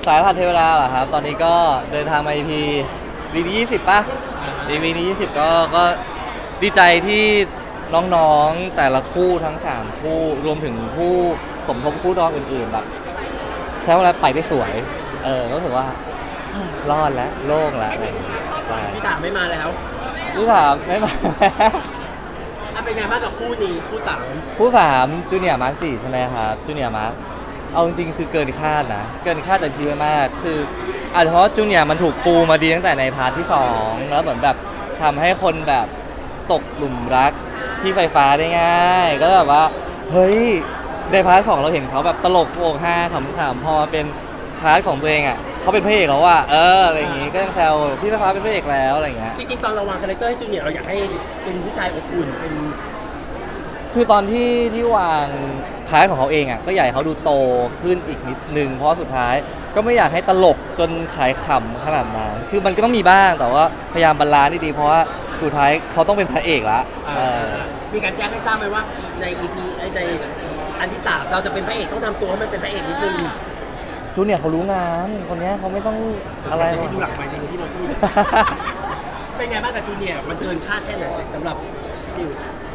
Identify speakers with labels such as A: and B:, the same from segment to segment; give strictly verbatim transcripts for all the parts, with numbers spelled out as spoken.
A: สายรหัสเทวดาเหรอครับตอนนี้ก็เดินทางมา อี พี วีพียี่สิบป่ะ อี พี นี้ยี่สิบก็ก็ดีใจที่น้องๆแต่ละคู่ทั้งสามคู่รวมถึงคู่สมทบคู่รองอื่นๆแบบใช้เวลาไปได้สวยเออรู้สึกว่ารอดแล้วโล่งแล้วอะไรอย่างเงี้ยใช่
B: พี่ถามไม่มาแล้ว
A: พี่ถามไม่มา
B: อ่ะเป็นไงบ้างกับคู่นี้คู่สาม
A: คู่สามจูเนียร์มาร์กจีใช่ไหมครับจูเนียร์มาร์กเอาจริงๆคือเกินคาดนะเกินคาดจากทีไว้มากคืออาจจะเพราะจูเนียร์มันถูกปูมาดีตั้งแต่ในพาร์ทที่สองแล้วเหมือนแบบทำให้คนแบบตกหลุมรักที่ไฟฟ้าได้ง่ายก็แบบว่าเฮ้ยในพาร์ทสองเราเห็นเขาแบบตลกโปกฮาขำๆพอมาเป็นพาร์ทของตัวเองอ่ะเขาเป็นพระเอกแล้วว่าเอออะไรอย่างงี้ก็ยังแซวพี่ไฟฟ้าเป็นพระเอกแล้วอะไรอย่างเงี้ย
B: จริงๆตอนเราวางคาแรคเตอร์ให้จูเนียร์เราอยากให้เป็นผู้ชายอบอุ่นเป็น
A: คือตอนที่ที่วางพาร์ทของเขาเองอ่ะก็อยากให้เขาดูโตขึ้นอีกนิดนึงเพราะสุดท้ายก็ไม่อยากให้ตลกจนขายขำขนาดนั้นคือมันก็ต้องมีบ้างแต่ว่าพยายามบาลานซ์ดีๆเพราะว่าสุดท้ายเขาต้องเป็นพระเอกละเออ
B: มีการแจ้งให้ทราบไหมว่าใน อี พี ในอันที่สามเราจะเป็นพระเอกต้องทำตัวให้มันเป็นพระเอกนิดนึง
A: จูเนียร์เขารู้งานคนเนี้ยเขาไม่ต้องอะไรหร
B: ให้
A: อก
B: ดูหลังไปในที่เราพูด เป็นไงบ้างกับจูเนียร์มันเกินคาดแค่ไหนสำหรับจิว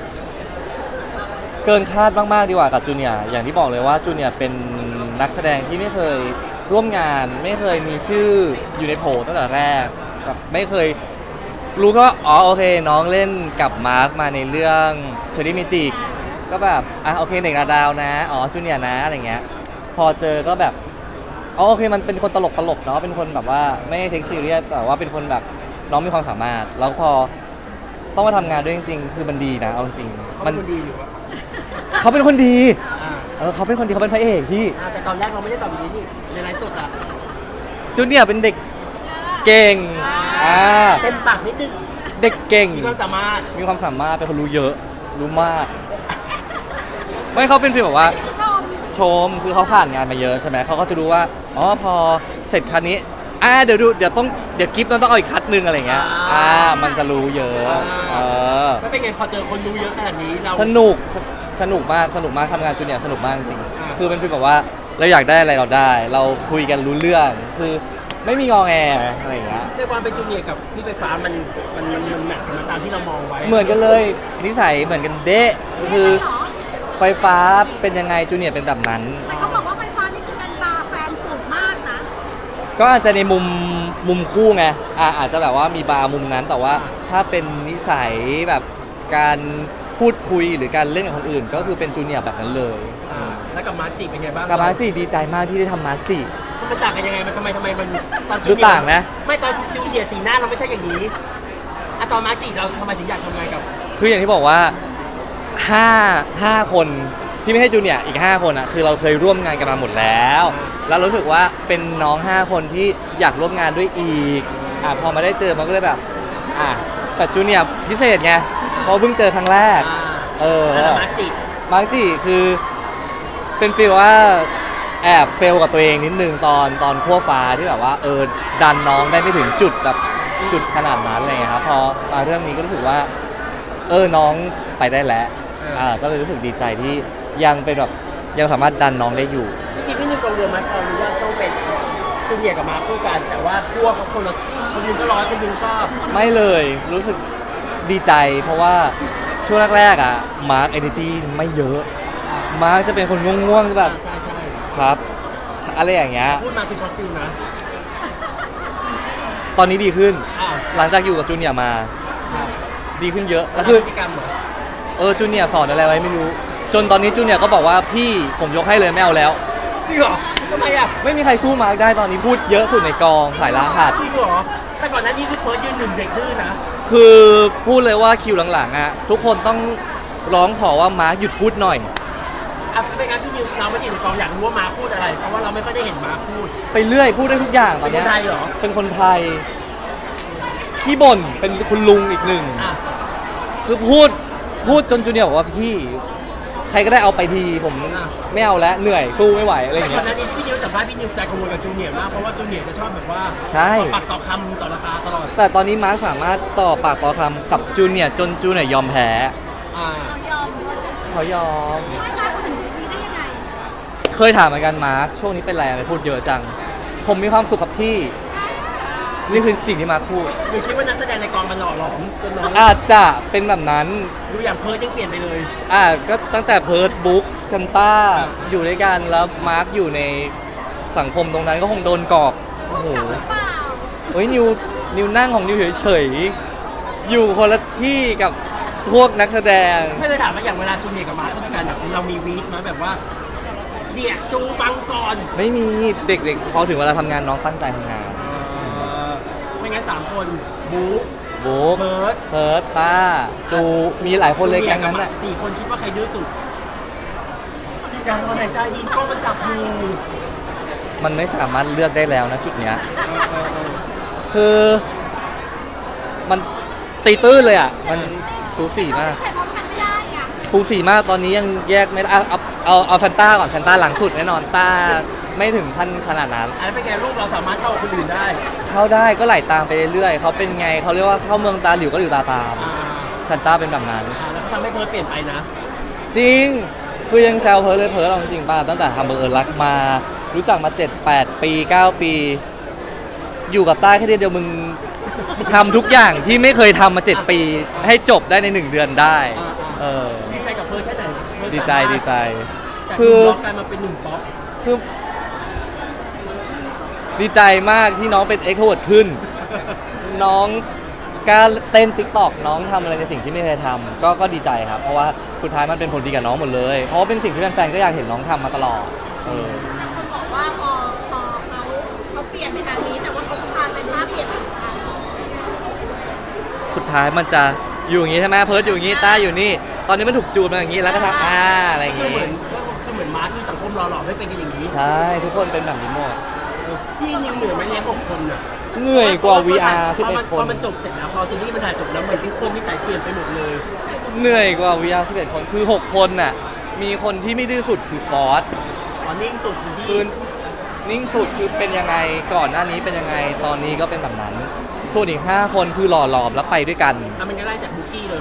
A: เกินคาดมากๆดีกว่ากับจูเนียร์อย่างที่บอกเลยว่าจูเนียร์เป็นนักแสดงที่ไม่เคยร่วมงาน ไม่เคยมีชื่ออยู่ในโผตั้งแต่แรกแบบไม่เคยรู้แค่ว่าอ๋อโอเคน้องเล่นกับมาร์คมาในเรื่องเชอรี่เมจิกก็แบบอ่ะโอเคเด็กนาดาวนะอ๋อจูเนียร์นะอะไรเงี้ยพอเจอก็แบบอ๋อโอเคมันเป็นคนตลกตลกเนาะเป็นคนแบบว่าไม่เทคซีเรียสแต่ว่าเป็นคนแบบน้องมีความสามารถแล้วพอต้องมาทำงานด้วยจริงๆคือมันดีนะเอาจริง
B: เขา
A: มั
B: เป็นคนดีหรือว่า
A: เขาเป็นคนดี
B: อ่า
A: เออเขาเป็นคนดีเขาเป็นพระเอกพี่
B: อ่าแต่ตอนแรกเราไม่ได้ตอบแบบนี้นี่ในไลฟ์สดอ่ะ
A: จูเนียร์เป็นเด็กเก่งอ่า
B: เต็มปากนิดนึง
A: เด็กเก่ง
B: มีความสามารถ
A: มีความสามารถเป็นคนรู้เยอะรู้มาก ไม่เขาเป็นฟีลแบบว่า
C: ชม
A: ชมคือเขาผ่านงานมาเยอะใช่ไหมเขาก็จะรู้ว่าอ๋อพอเสร็จคันนี้อ่าเดี๋ยวดูเดี๋ยวต้องเดี๋ยวกิฟต์ต้องเอาอีกคัดหนึ่งอะไรเงี้ยอ่ามันจะรู้เยอะเออ
B: แล้วเป็นไงพอเจอคนรู้เยอะขนาดนี้เรา
A: สนุกสสนุกมากสนุกมากทำงานจูเนียร์สนุกมากจริง
B: อ่า
A: คือเป็นฟีลแบบว่าเราอยากได้อะไรเราได้ เราคุยกันรู้เรื่องคือไม่มีงอแงอะไรอย่างเงี้ย
B: ในความเป็นจูเนียร์กับพี่ไฟฟ้ามันมันมันมันแมทกันมาตามที่เรามองไว้
A: เหมือนกันเลยนิสัยเหมือนกันเด๊ะคือ
C: เหรอ
A: ไฟฟ้าเป็นยังไงจูเนียร์เป็นแบบนั้น
C: แต่เขาบอกว่าไฟฟ้านี่คือดันบาร์แฟนสูงมากนะ
A: ก็อาจจะในมุมมุมคู่ไงอ่าอาจจะแบบว่ามีบาร์มุมนั้น แต่ว่าถ้าเป็นนิสัยแบบการพูดคุยหรือการเล่นกับคนอื่น ก็คือเป็นจูเนียร์แบบนั้นเลย
B: อ่าแล้วกับมาร์จิเป็นไงบ้าง
A: กับมาร์จิดีใจมากที่ได้ทำมาร์จิ
B: มันต่างกันยังไงมันทำไมทำไมมันตอนจู
A: ดู
B: เนียร์
A: ต่างนะ
B: ไม่ตอนจูเนียร์สีหน้าเราไม่ใช่อย่างนี้อะตอนมาร์จิเราทำไมถึงอยากทำงานกับ
A: คืออย่างที่บอกว่าห้าห้าคนที่ไม่ใช่จูเนียร์อีกห้าคนอ่ะคือเราเคยร่วมงานกันมาหมดแล้ว แล้วรู้สึกว่าเป็นน้องห้าคนที่อยากร่วมงานด้วยอีกอ่ะพอมาได้เจอมันก็เลยแบบอ่ะแต่จูเนียร์พิเศษไงเพราะเพิ่งเจอครั้งแรก
B: อ่า
A: เออ
B: แล้วมาร์จิ
A: มาร์กจีคือเป็นฟีลว่าแอบเฟลกับตัวเองนิดนึงตอนตอนขั้วฟ้าที่แบบว่าเออดันน้องได้ไม่ถึงจุดแบบจุดขนาดนั้นอะไรเงี้ยครับพอมาเรื่องนี้ก็รู้สึกว่าเออน้องไปได้แล้วอ่าก็เลยรู้สึกดีใจที่ยังเป็นแบบยังสามารถดันน้องได้อยู่
B: จริงๆพี่นิวกังวลไหมพอรู้ว่าต้องเป็นจูเนียร์กับมาร์คคู่กัน แต่ว่าขั้วเขาคนละคนหนึงก็ร้อยคนหนึงก็
A: ไม่เลยรู้สึกดีใจ เพราะว่าช่วงแรกๆอ่ะมาร์กเอเนจีไม่เยอะมาร์กจะเป็นคนง่วงๆจะแบบ
B: ใช่ใช่
A: ครับ อะไรอย่างเงี้ย
B: พูดมาคือช็อตฟิลนะ
A: ตอนนี้ดีขึ้น
B: อ้าว
A: หลังจากอยู่กับจูเนียร์มา
B: อ้าว
A: ดีขึ้นเยอะ
B: แล้
A: แล้ว ว
B: คื
A: คือ อ
B: พฤติกรรมเหรอ
A: เออจูเนียร์สอนอะไรไว้ไม่รู้ จนตอนนี้จูเนียร์ก็บอกว่าพี่ผมยกให้เลยไม่เอาแล้ว
B: จริงเหรอทำไมอ่ะ
A: ไม่มีใครสู้มาร์กได้ตอนนี้พูดเยอะสุดในกองถ่ายรหัส
B: จริงเหรอแต่ก่อนหน้านี้คือเพิร์ดยืนหนึ่งเด็กดื้อนะ
A: คือพูดเลยว่าคิวหลังๆอ่ะทุกคนต้องร้องขอว่ามาร์กหยุดพูดหน่อย
B: อ่ะเป็นงั้นพี่นิวเราไม่ได้อยู่ในกองอยากรู้ว่ามาร์คพูดอะไร เพราะว่าเราไม่ค่อยได้เห็นมาร์คพูด
A: ไปเรื่อยพูดได้ทุกอย่างตอนเนี้ย
B: เป็นคนไทยเหรอ
A: เป็นคนไทยขี้บ่นเป็นคุณลุงอีกหนึ่ง
B: อ่ะ
A: คือพูดพูดจนจูเนียร์บอกว่าพี่ ใครก็ได้เอาไปทีผมไม่เอาแล้วเหนื่อยสู้ไม่ไหวอะไรอย่าง
B: ก่
A: เงี้
B: อน
A: ย
B: หน้านี้พี่นิวสัมภาษณ์พี่นิวใจกังวลกับจูเนียร์มากเพราะว่าจูเนียร์จะชอบแบบว่า
A: ใช่
B: ต่อปากต่อคำต่อราคาตลอด
A: แต่ตอนนี้มาร์คสามารถต่อปากต่อคำกับจูเนียร์จนจูเนียร์ยอมแพ้
B: อ่า
C: เรายอมว่า
A: เขายอม
C: ไม่มาถึงจุดนี้ได้ยังไง
A: เคยถามเหมือนกันมาร์คช่วงนี้เป็นไรอะไรพูดเยอะจังผมมีความสุขกับพี่ นี่คือสิ่งที่มาร์คพูด
B: หรือคิดว่านักแสดงในกองมันหล่อหลอมจนน้อง
A: อาจจะเป็นแบบนั้น
B: ดูอย่างเพิร์ดยังเปลี่ยนไปเลย
A: อ่าก็ตั้งแต่เพิร์ดบุ๊กชันต้าอยู่ด้วยกันแล้วมาร์คอยู่ในสังคมตรงนั้นก็คงโดนกรอบโอ้โห
C: หรือเปล่า
A: เฮ้ยนิวนิวนั่งของนิวเฉยๆอยู่คนละที่กับพวกนักแสดง
B: ไม่เลยถามว่าอย่างเวลาจูเนียร์กับมาร์คเข้าด้วยกันแบบเรามีวีคไหมาแบบว่าเนี่ยจูฟังก่อน
A: ไม่มีเด็กๆพอถึงเวลาทำงานน้องตั้งใจทำงาน
B: เออไม่งั้นสามคนบุ๊ก
A: บุ๊ก
B: เพิร์ด
A: เพิร์ดต้าจูมีหลายคนเลยแก๊งนั้นอ่ะ
B: สี่คนคิดว่าใครดื้อสุดอยากทำไหนใจดีกล้องมันจับอยู่
A: มันไม่สามารถเลือกได้แล้วนะจุดเนี้ย
B: เออเออเออ
A: คือมันตีตื้นเลยอ่ะ มันสูสีมาก
C: ใช้พร้อมกันไม่ได้อ่ะ
A: สูสีมากตอนนี้ยังแยกไม่ได้เอาเอาเอาเอาซันต้าก่อนซันต้าหลังสุดแน่นอนต้าไม่ถึงขั้นขนาดนั้น
B: อันนั้นเป็นไงลูกเราสามารถเข้ากับคนอื่นได้
A: เข้าได้ก็ไหลตามไปเรื่อยๆเขาเป็นไงเขาเรียกว่าเข้าเมืองตาหลิวก็หลิวตาตาม
B: อ่า
A: ซันต้าเป็นแบบนั้น
B: อ่าแล้วก็ทำให้เพิร์ดเปลี่ยนไปนะ
A: จริง คือยังแซวเพิร์ลเลยเพิร์ลเราจริงๆป่ะตั้งแต่ทำเบอร์เอิญรักมา รู้จักมา เจ็ด แปด ปี เก้า ปี อยู่กับต้าแค่เดือนเดียวมึงทำทุกอย่างที่ไม่เคยทำมา เจ็ด ปี ให้จบได้ในหนึ่งเดือนได้
B: อ่า
A: เออ
B: ๆดีใจกับเพิร์ดแค่ไหนเพิร์
A: ดีใจ
B: สามารถ
A: ดีใจ
B: แต่
A: คื
B: คือ
A: อ
B: ล็อกกลายมาเป็นหนุ่มป๊อป
A: คือ ดีใจมากที่น้องเป็นเอ็กโทรเวิร์ดขึ้น น้องกล้าเต้นติ๊กต็อกน้องทำอะไรในสิ่งที่ไม่เคยทำก็ก็ดีใจครับ เพราะว่าสุดท้ายมันเป็นผลดีกับน้องหมดเลย เพราะว่าเป็นสิ่งที่แฟนๆก็อยากเห็นน้องทำมาตลอดเออ
C: แต่คนบอกว่าพอพอเขาเขาเปลี่ยนไปทางนี้ แต่ว่าเขาจะพาเซนต้าเปลี่ยนไปอีกทาง
A: สุดท้ายมันจะอยู่อย่างนี้ใช่ไหมเพิร์ดอยู่อย่างนี้ต้าอยู่นี่ ตอนนี้มันถูกจูนมาอย่างนี้แล้วก็ทำอ่าอะไรอย่าง
B: คือ
A: งี้
B: เหมือนก็คือเหมือนมาร์คที่สังคมหล่อหลอมให้เป็นกันอย่างนี้
A: ใช่ทุกคนเป็นแบบนี้หมด
B: เออพี่นิวเหนื่อยไหมเลี้ยงหกคนอ่ะ
A: เหนื่อยกว่า วี อาร์ สิบ
B: พอ
A: เอ็ด
B: มัน
A: ค
B: พอน มันจบเสร็จแล้วพอซีรีส์มันถ่ายจบแล้วเหมือนทุกคนนิสัยเปลี่ยนไปหมดเลย
A: เหนื่อยกว่า วี อาร์ สิบเอ็ด คนคือ หก คนน่ะมีคนที่ไม่ดื้อสุดคือฟอส
B: ตอนนิ่งสุดคุณ
A: คื
B: พี่
A: อนิ่งสุดคือเป็นยังไงก่อนหน้านี้เป็นยังไงตอนนี้ก็เป็นแบบนั้น ส่วนอีก ห้า คนคือหล่อหลอมแล้วไปด้วยกัน
B: อ่ะมันก็ไล่จากบุกกี้เลย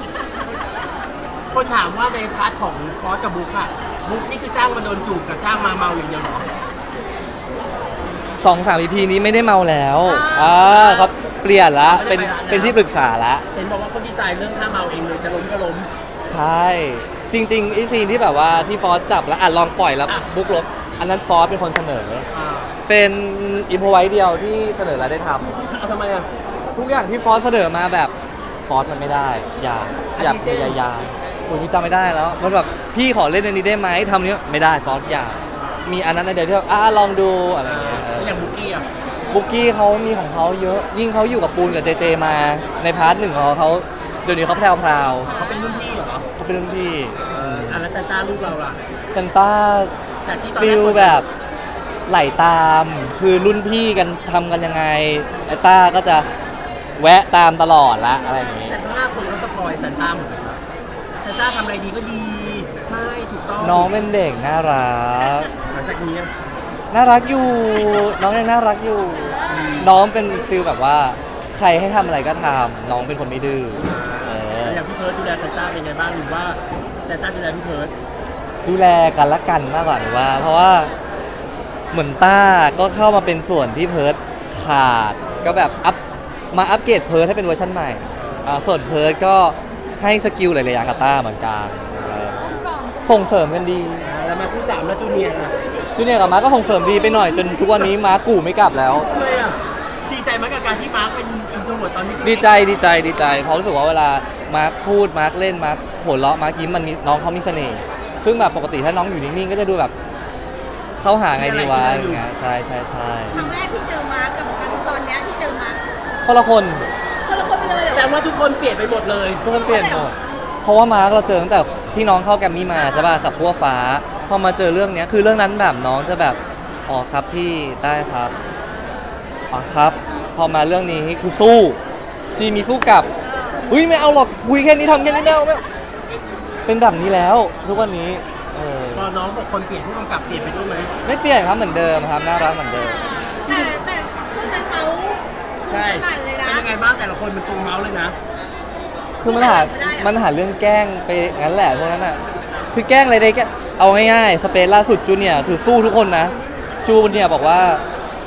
B: คนถามว่าในพาร์ทของฟอสกับบุ๊กอะบุ๊กนี่คือจ้างมาโดนจูบกับจ้างมาเมาอย่างเดียวเหรอ
A: สองสาม อี พี นี้ไม่ได้เมาแล้วอ่าเขาเปลี่ยนละเป็นเป็นที่ปรึกษาละ
B: เห็นบอกว่าคนดีไซน์เรื่องท่าเมาเองเลยจะล้มก็ล้ม
A: ใช่ จริงๆไอซีนที่แบบว่าที่ฟอสจับแล้วอ่ะลองปล่อยแล้ว
B: อ่ะ
A: บุ๊กลบอันนั้นฟอสเป็นคนเสนอ
B: อ่า
A: เป็นอิมพอไว้เดียวที่เสนอแล้วได้ทำ
B: เอาทำไมอะ
A: ทุกอย่างที่ฟอสเสนอมาแบบฟอสมันไม่ได้ อย่า
B: อันนี้
A: อย่า
B: เช่น
A: พยายามโอ้ยนี่จำไม่ได้แล้วมันแบบพี่ขอเล่นอันนี้ได้ไหมทำนี้ไม่ได้ฟอสอย่ามีอันนั้นอันเดียวที่แบบอ่ะลองดูอะไรอย่างเงี้ยเอ
B: แล้ว
A: อ
B: อย่างบุกกี้อะ
A: บุกกี้เขามีของเขาเยอะ ยิ่งเขาอยู่กับปูนกับเจเจมาในพาร์ทหนึ่งของเขาเดี๋ยวนี้เขาแพรวพราว
B: เขาเป็นรุ่นพี่เหรอ
A: เขาเป็นรุ่นพี่
B: เอออันแล้วซานต้าลูกเราล่ะ
A: เซนต้า
B: แต่ที่ตอนแร
A: ฟิ
B: ก
A: ล
B: คน
A: แบบไหลตาม คือรุ่นพี่กันทำกันยังไงไอต้าก็จะแวะตามตลอดละอะไรอย่างงี้
B: แต่ถ้าคนเขาสปอยซานต้าหมดเลยนะซานต้าทำอะไรดีก็ดี ใช่ถูกต้อง
A: น้องเป็นเด็กน่ารัก
B: หลังจากนี้อะ
A: น่ารักอยู่ น้องยังน่ารักอยู่ น้องเป็นฟิลแบบว่า ใครให้ทำอะไรก็ทำน้องเป็นคนไม่ดื้อเออ
B: แล้วอย่างพี่เพิร์ดดูแลซานต้าเป็นไงบ้างหรือว่าซานต้าดูแลพี่เพิร์ด
A: ดูแลกันละกันมากกว่าหรือว่า เพราะว่าเหมือนต้าก็เข้ามาเป็นส่วนที่เพิร์ดขาด ก็แบบอัพมาอัปเกรดเพิร์ดให้เป็นเวอร์ชันใหม่อ่าส่วนเพิร์ดก็ให้สกิลหลายๆอย่างกับต้าเหมือนกันเออ
C: ก่อน
A: ส่งเสริมกันดี
B: แล้วมาคู่สามแล้วจูเนียร์นะ
A: จูเนียร์กับมาร์คก็ส่งเสริมดีไปหน่อยจนทุกวันนี้มาร์คกู่ไม่กลับแล้ว
B: ทำไมอ่ะดีใจไหมกับการที่มาร์คเป็นอินโทรเวิร์ตตอนนี้
A: ดีใจดีใจดีใจเพราะรู้สึกว่าเวลามาร์คพูดมาร์คเล่นมาร์คหัวเราะมาร์คยิ้มมันมีน้องเขามีเสน่ห์ซึ่งแบบปกติถ้าน้องอยู่นิ่งๆก็จะดูแบบเข้าหาไงดีวะอย่างเงี้ยใช่ใช่ใช่
C: ครั้งแรกที่เจอมาร์คกับครั้งตอนเนี้ยที่เจอมาร์ค
A: คนละคน
C: คนละคนไปเลยเหรอ
B: แต่ว่าทุกคนเปลี่ยนไปหมดเลย
A: ทุกคนเปลี่ยนหมดเพราะว่ามาร์คเราเจอตั้งแต่ที่น้องเข้าแกรมมี่มาใช่ป่ะกับพวกฟ้าพอมาเจอเรื่องเนี้ยคือเรื่องนั้นแบบน้องจะแบบอ๋อครับพี่ได้ครับอ๋อครับ พอมาเรื่องนี้คือสู้ซีมีสู้กลับอุ้ยไม่เอาหรอกคุยแค่นี้ทำแค่นี้ไม่เอาไม่เอาเป็นแบบนี้แล้วทุกวันนี้เออ
B: พอน้องบอกคนเปลี่ยนผู้กำกับเปลี่ยนไปด้วยไหม
A: ไม่เปลี่ยนครับเหมือนเดิมครับน่ารักเหมือนเดิม
C: แต่แต่พวกนั้นเขา
B: ใช่
C: ขนาดเลยนะ
B: เป็นยังไงบ้างแต่ละคนเป็นตัวเมาส์เลยนะ
A: คือมันหา
C: ไม่ได้อะ
A: มันหาเรื่องแกล้งไปงั้นแหละพวกนั้นอ่ะคือแกล้งอะไรได้แกเอาง่ายๆสเปซล่าสุดจูเนียร์คือสู้ทุกคนนะจูเนียร์บอกว่า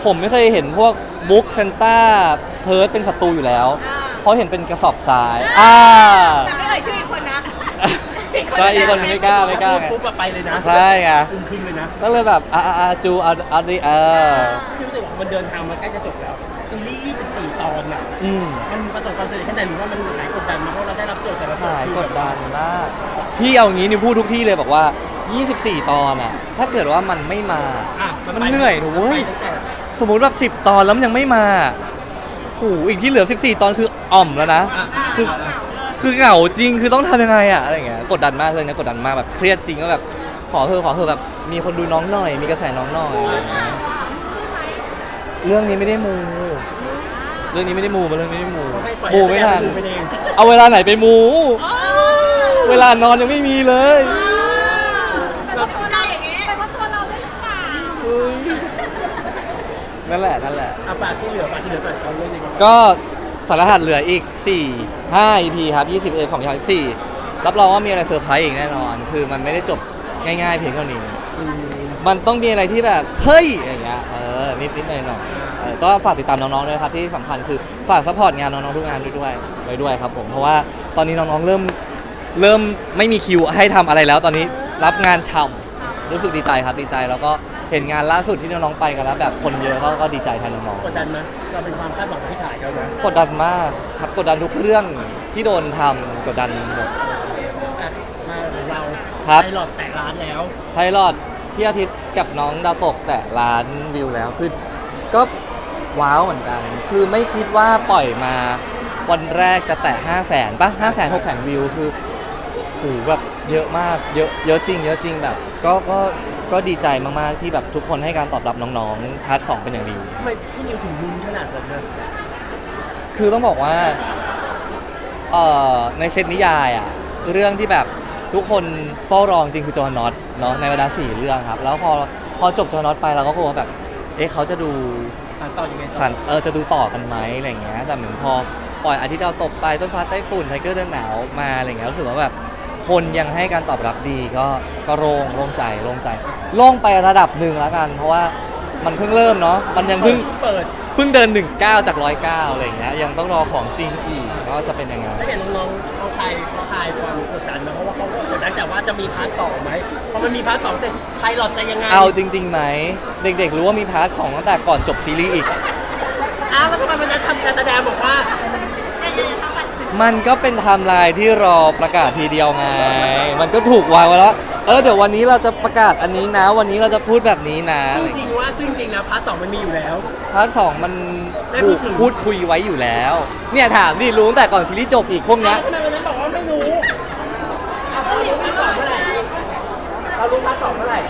A: ผมไม่เคยเห็นพวกบุ๊กเซนต้าเพิร์ดเป็นศัตรูอยู่แล้ว
C: อ่า
A: เพราะเห็นเป็นกระสอบทรายอ่า
C: แต่ไม่เอ่ยชื่ออีกคนนะ
A: ใช่อีกคนนึงไม่กล้าไม่กล้าไง
B: ปุ๊บอะไปเลยนะ
A: ใช่ไง
B: อึมครึมเลยนะ
A: ก็เลยแบบอ่าอ่าจูเอาเอาดิเออ
B: พี่รู้สึกว่ามันเดินทางมาใกล้จะจบแล้วซีรีส์ยี่สิบสี่ตอนอ่ะ
A: อืม
B: มันประสบความสำเร็จแค่ไหนหรือว่ามันหายกดดันมาเพราะเราได้รับโจทย์แต่ละโจท
A: หาย
B: ย์คือก
A: ด
B: แบบ
A: ดันมากพี่เอางี้นิวพูดทุกที่เลยบอกว่า ยี่สิบสี่ ตอนอะถ้าเกิดว่ามันไม่มา
B: อ่ะ
A: มัน
B: ไป
A: เหนื่อยหนูเว้ย
B: ไปตั้งแต่
A: สมมุติแบบสิบตอนแล้วมันยังไม่มาโอ้โหอีกที่เหลือสิบสี่ ตอนคืออ่อมแล้วนะ
B: อ่ะ
A: คือ คือเหงาจริง คือต้องทำยังไงอะอะไรอย่างเงี้ย กดดันมากเลยนะกดดันมากแบบเครียดจริงก็แบบขอเธอะขอเธอะแบบมีคนดูน้องหน่อย มีกระแสน้องหน่อยอะไรอย่างเงี้ยเรื่องนี้ไม่ได้มู เรื่องนี้ไม่ได้มูมาเรื่องนี้ไม่ได้มู
B: เขาให้ปล่อย
A: มูไม่ทัน
B: ให้แสดงเป็นมูไปเอง
A: เอาเวลาไหนไปมู เวลานอนยังไม่มีเลย
C: เราได้อย่างนี้
D: เป็นเพราะตัวเราด้วยหรือเปล่า
A: เฮ้ยนั่นแหละนั่นแหละ
B: อ่ะฝากที่เหลือฝากที่เหลือก่อนเอาเรื่องนี้ก่อน
A: ก็สารหัสเหลืออีก สี่ ห้า อี พี ครับ ยี่สิบเอ็ด ของยี่สิบสี่รับรองว่ามีอะไรเซอร์ไพรส์อีกแน่นอน คือมันไม่ได้จบง่ายๆเพียงเท่านี้
B: อืม
A: มันต้องมีอะไรที่แบบ เฮ้ย อย่างเงี้ย เออ นิดนิดหน่อยหน่อยๆเออก็ฝากติดตามน้องๆด้วยครับ ที่สำคัญคือฝากซัพพอร์ตงานน้องๆทุกงานด้วยด้วยไว้ด้วยครับผม เพราะว่าตอนนี้น้องๆเริ่มเริ่มไม่มีคิวให้ทำอะไรแล้ว ตอนนี้รับงานช่ำรู้สึกดีใจครับ ดีใจ แล้วก็เห็นงานล่าสุดที่น้องๆไปกันแล้วแบบคนเยอะก็ก็ดีใจแทนน้อง
B: กดดันไหมเราเป็นความคาดหวังของพี่ถ่ายเขานะ
A: ๆกดดันมากครับ กดดันทุกเรื่องที่โดนทำกดดันหมด
B: อ่ะมาของเรา
A: ครับ
B: ไพลอตแตะร้านแล้ว
A: ไพลอตพี่อาทิตย์กับน้องดาวตกแต่ล้านวิวแล้วคือก็ว้าวเหมือนกัน คือไม่คิดว่าปล่อยมาวันแรกจะแตะห้าแสนป่ะห้าแสนหกแสนวิวคือโหแบบเยอะมากเยอะเยอะจริง เยอะจริงแบบ ก็ก็ก็ดีใจมากๆที่แบบทุกคนให้การตอบรับน้องๆพาร์ทสองเป็นอย่างดี
B: ทำไมพี่นิวถึงลุ้นขนาดนั้นนะ
A: คือต้องบอกว่าเอ่อในเซตนิยายอะเรื่องที่แบบทุกคนเฝ้ารอจริงคือจอห์นน็อตเนาะในบรรดาสี่เรื่องครับ แล้วพอพอจบจอห์นน็อตไปเราก็กลัวแบบ เอ๊ะเขาจะดู
B: สานต่อยังไงต่อ
A: สันเออจะดูต่อกันไหมอะไรอย่างเงี้ยแต่เหมือนพอปล่อยอาทิตย์ดาวตกไปต้นฟ้าใต้ฝุ่นไทเกอร์เดินหนาวมาอะไรอย่างเงี้ยรู้สึกว่าแบบคนยังให้การตอบรับดีก็ก็โล่งโล่งใจโล่งใจโล่งไประดับหนึ่งแล้วกัน เพราะว่ามันเพิ่งเริ่มเนาะมันยังเพิ่ง
B: เปิด
A: เพิ่งเดินหนึ่งก้าวจากร้อยเก้าอะไรอย่างเงี้ยยังต้องรอของจริงอีกก็จะเป็นยังไง
B: ถ้าเกิดน้องๆเขาคลายเขาคลายความกดดันนะเพราะว่าเขาก็กดดันแต่ว่าจะมีพาร์ทสองไหมพอมันมีพาร์ทสองเสร็จไพลอตจะยังไง
A: เอาจริงๆไหมเด็กๆรู้ว่ามีพาร์ทสองตั้งแต่ก่อนจบซีรีส์อีก
B: อ้าวแล้วทำไมวันนั้นทำการแสดงบอกว่า
A: มันก็เป็นไทม์ไลน์ที่รอประกาศทีเดียวไง มันก็ถูกวางไว้แล้ว เออเดี๋ยววันนี้เราจะประกาศอันนี้นะ วันนี้เราจะพูดแบบนี้นะ
B: ซึ่งจริงว่าซึ่งจริงนะพาร์ทสองมันมีอยู่แล้ว
A: พาร์ทสองมัน
B: ได้พู
A: ถู
B: ด
A: ก
B: ถึง
A: พูดคุยไว้อยู่แล้ว เนี่ยถามดิรู้ตั้งแต่ก่อนซีรีส์จบอีกพวกเนี้ย
B: ทำไมวันนั้นบอกว่าไม่รู้เรารู้พาร์ทสองเมื่อไหร่เรารู้พาร์ทสองเมื่อไหร่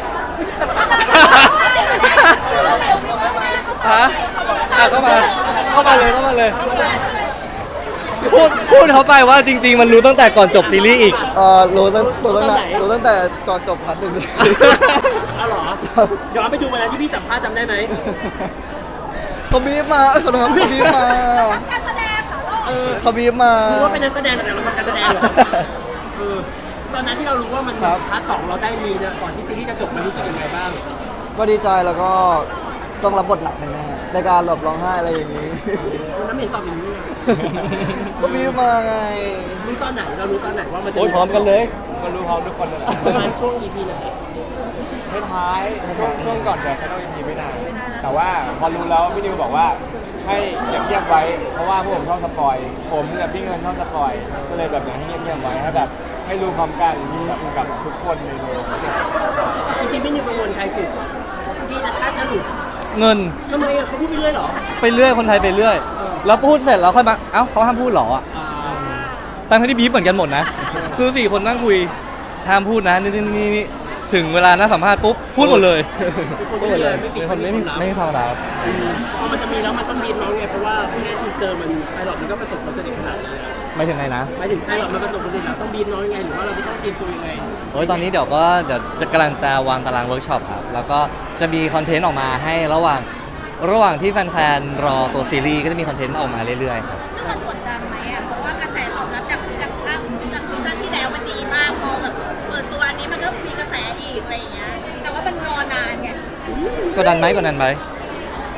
A: ฮะอ่ะเข้ามาเข้ามาเลยเข้ามาเลย พูดพูดเขาไปว่าจริง ๆ มันรู้ตั้งแต่ก่อนจบซีรีส์อีก
E: เออรู้ตั้งรู้ตั้งแต่รู้ตั้งแต่ก่อนจบพาร์ทหนึ่ง
B: เอาเหรอย้อนไปดูวันนั้นที่พี่สัมภาษณ์จำได้ไหม
E: เขาบีบมาเอ้ยขอโทษครับเขาบีบมา
D: การแสดงเหรอลูก
B: เออ
E: เขาบีบมา
B: รู้ว่าเป็นนักแสดงแต่เราทำการแสดงเหรอเออตอนนั้นที่เรารู้ว่ามัน
E: ครับ
B: พาร์ทสองเราได้มีเนี่ยก่อนที่ซีรีส์จะจบมันรู้สึกยังไงบ้าง
E: ก็ดีใจแล้วก็ต้องรับบทหนักแน่ๆในการหลบร้องไห้อะไรอย่างนี้
B: วันนั้นไม่เห็นตอบอย่างนี้อะ
E: ก็บีบมาไง
B: รู้ตอนไหนเรารู้ตอนไหนว่ามันจะ
A: โอ้ยพร้อมกันเลย
F: ก็รู้พร้อมทุกคนนั่นแหละ
B: ประมาณช่วง อี พี ไหน
F: ท้ายๆช่วงช่วงก่อนเดี๋ยวเขาต้องอีพีไม่นานแต่ว่าพอรู้แล้วพี่นิวบอกว่าให้เงียบๆไว้ เพราะว่าพวกผมชอบสปอย ผมกับพี่เงินชอบสปอย ก็เลยแบบอยากให้เงียบๆไว้ให้แบบให้รู้พร้อมกันแบบกับทุกคนในโรง
B: จริงๆไม่มีกังวลใครสุดที่จะถ้าจะหลุด
A: เงิน
B: ทำไมอะเขาพูดไปเรื่อยเหรอ
A: ไปเรื่อยคนไทยไปเรื่อย
B: เออ
A: แล้วพูดเสร็จแล้วค่อยมาเอ้าเขาห้ามพูดเหรออ่ะ
B: อ่า
A: ตั้งที่บีบเหมือนกันหมดนะ คือสี่คนนั่งคุยห้ามพูดนะนี่นี่นี่นี่ถึงเวลาน่าสัมภาษณ์ปุ๊บพูดหมดเลย
B: เป็นคนพูดไปเลยไม่ปิ
A: เป็
B: ด
A: นคนไม่มีไม่มีความลับ
B: อืมพอมันจะมีแล้วมันต้องบีบน้องไงเพราะว่าแค่ทีเซอร์มันไพลอตมันก็ประสบความสำเร็จขนาดนี้แล้ว
A: ไม่ถึงไงนะ
B: หมายถึงไพลอตมันประสบความสำเร็จแล้วต้องบีบน้องยังไงหรือว่าเราจะต้องเตรียมตัวยังไง
A: โอ้ยตอนนี้เดี๋ยวก็เดี๋ยวจะกำลังจะวางตารางเวิร์กช็อปครับ แล้วก็จะมีคอนเทนต์ออกมาให้ระหว่างระหว่างที่แฟนๆรอตัวซีรีส์ก็จะมีคอนเทนต์ออกมาเรื่อยๆครับ
C: ซึ่งมันกดดันไหมอ่ะ เพราะว่ากระแสตอบรับจากจากภาคจากซีซั่นที่แล้วมันดีมาก พอแบบเปิดตัวอันนี้มันก็มีกระแสอีกอะไรอย่างเงี้ย แต่ว่ามันรอนานไง
A: กดดันไหมกดดันไหม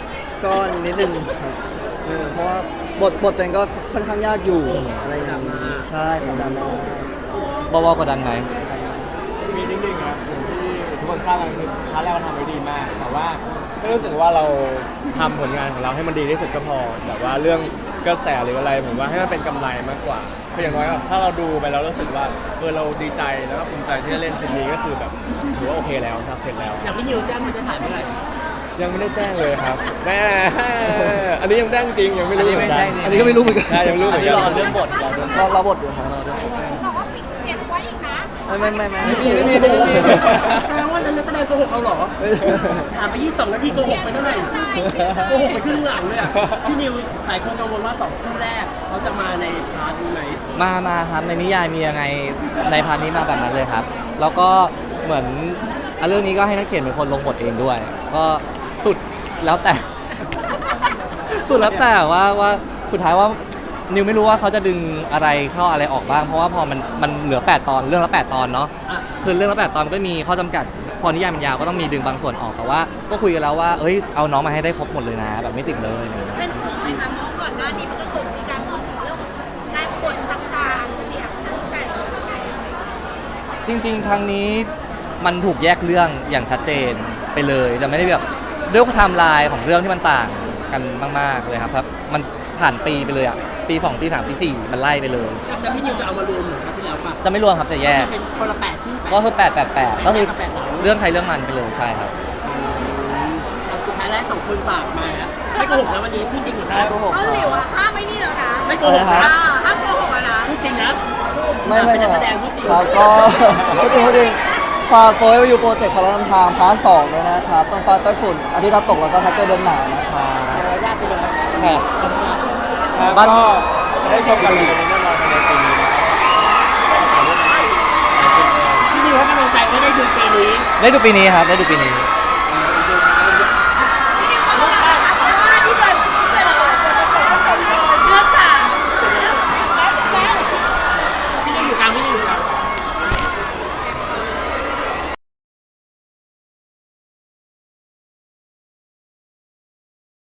E: ก็นิดนึงครับเออเพราะว่าบทบทตัวเองก็ค่อนข้างยากอยู่อะไรอย่างนี้ใช่ครับดราม่า
A: บอบกดดันไหม
F: มีนิดนึงครับอย่างที่ทุกคนทราบกันคือพาร์ทแรกเราทำไว้ดีมาก แต่ว่าก็รู้สึกว่าเราทำผลงานของเราให้มันดีที่สุดก็พอแต่ว่าเรื่องกระแสหรืออะไรผมว่าให้มันเป็นกำไรมากกว่าคืออย่างน้อยแบบถ้าเราดูไปแล้วรู้สึกว่าเออเราดีใจแล้วก็ภูมิใจที่ได้เล่นชิ้นนี้ก็คือแบบถือว่าโอเคแล้วทำเสร็จแล้ว
B: อย่างพี่นิวแจ้งมันจะถ่ายเมื่อไหร่
F: ยังไม่ได้แจ้งเลยครับแม่อันนี้ยังแจ้งจริงยังไม่รู้
A: อันนี้ไม่แจ้งจริง
E: อันนี้ก็ไม่รู้เหมือนกัน
F: ใช่ยังไม่รู้เหมือนกัน
A: รอเรื่องบทรอเรื่องบ
E: รอ
A: ท
E: รอบทอยู่ครับ
D: บอกว่าปิดเก็บไว้อีกนะ
E: ไม่ไม่ไม่ไม่
F: ไม่มีไม่มีไม่มี
B: แสดงว่านักแสดงโกหกเราเหรอถามไปยี่สิบสองนาทีโกหกไปเท่าไหร่โกหกไปครึ่งหลังเลยอ่ะพี่นิวหลายคนกังวลว่าสองคู่แรกเขาจะมาในพาร์ทนี้ไหม
A: มามาครับในนิยายมียังไงในพาร์ทนี้มาแบบนั้นเลยครับ แล้วก็เหมือนอ่ะเรื่องนี้ก็ให้นักเขียนเป็นคนลงบทเองด้วย ก็สุดแล้วแต่ สุดแล้วแต่ว่าว่าสุดท้ายว่านิวไม่รู้ว่าเขาจะดึงอะไรเข้าอะไรออกบ้าง เพราะว่าพอมันมันเหลือแปดตอนเรื่องละแปดตอนเนาะ
B: อ่ะ
A: คือเรื่องละแปดตอนก็มีข้อจำกัด พอนิยายมันยาวก็ต้องมีดึงบางส่วนออกแต่ว่าก็คุยกันแล้วว่าเอ้ยเอาน้องมาให้ได้ครบหมดเลยนะ แบบไม่ติดเลยอะไรอย่างเงี้ย
C: เป็นห่วงไหมคะเพราะก่อนหน้านี้มันก็เคยมีการพูดถึงเรื่องการกดต่างๆเรียกแต่
A: จริงๆ ครั้งนี้มันถูกแยกเรื่องอย่างชัดเจนไปเลย จะไม่ได้แบบด้วยไทม์ไลน์ของเรื่องที่มันต่างกันมากๆเลยครับครับมันผ่านปีไปเลยอ่ะปีสองปีสามปีสี่มันไล่ไปเลย
B: แต่พี่นิวจะเอามารวมเหมือนครั้งที่แล้วป่ะ
A: จะไม่รวมครับจะแยก
B: เป็นคนละแปดที่แปด
A: ก็คือแปดแปดแปดก็คือ
B: แปดหลัง
A: เรื่องใครเรื่องมันไปเลยใช่ครับ
B: เอาสุดท้ายแล้วสองคนฝากมาอะไม่โกหกนะวันนี้พูดจริงหรือนะ
E: โกหก
C: เขา
E: ค
C: หลิว
E: รับ
C: อะห้ามไม่นี่แล้วนะ
B: ไม่โกหก
E: อะไร
B: นะ
E: ครับ
C: อ่าห้ามโกหกอะนะ
B: พูดจริงนะ
E: ไม่ไม่
B: เป็นนั
E: ไม่
B: กแสดงพูดจริง
E: ครับก็พูดจริงพูดจริงฝากโฟร์ไปอยู่โปรเจกต์พลังนำทางพาร์ทสองเลยนะครับต้องฟ้าใต้ฝุ่นอาทิตย์ดาวตกแล้วก็แท็กเกอร์เดินหนาวนะครับ
B: เดี๋ยวยากไปเลย
F: ครับ
A: บ้าน
F: ก็จะได้ชมกันเลยในแน่นอนภายในปีนี้นะครับ
B: พี่นิวให้กำลังใจไม่ได้ดูปีนี้
A: ได้ดูปีนี้ครับได้ดูปีนี้